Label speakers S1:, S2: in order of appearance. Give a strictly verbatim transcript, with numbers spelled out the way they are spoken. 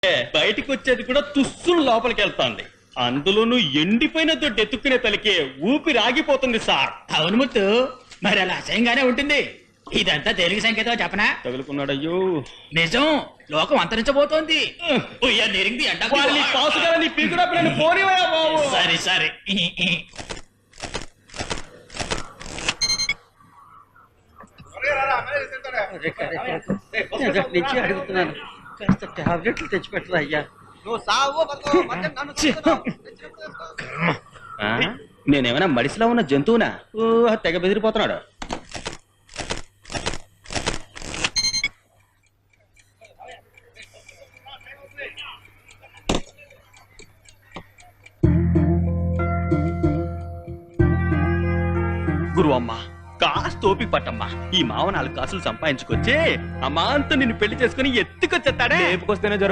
S1: బయటికి వచ్చేది కూడా తుస్సులు లోపలికి వెళ్తాంది. అందులోనూ ఎండిపోయిన దొడ్డు ఎత్తుక్కునే తలికే ఊపిరి ఆగిపోతుంది సార్.
S2: అవును ముత్తు, మరి అలా అసహ్యంగానే ఉంటుంది. ఇదంతా తెలుగు సంకేతం చెప్పనా?
S1: తగులుకున్నాడయ్యో.
S2: నిజం, లోకం అంతరించబోతోంది. సరే సరే
S3: నుంచి అడుగుతున్నాను, కాస్త టాబ్లెట్లు తెచ్చిపెట్టరా అయ్యా.
S1: నేనేమైనా మడిసిలో ఉన్న జంతువునా? తెగ బెదిరిపోతున్నాడు. గురువమ్మా, కాస్త ఓపిక పట్టమ్మా. ఈ మావ నాలుగు కాసులు సంపాదించుకొచ్చి అమ్మాంతా నిన్ను పెళ్లి చేసుకుని ఎత్తుకొచ్చేస్తాడే.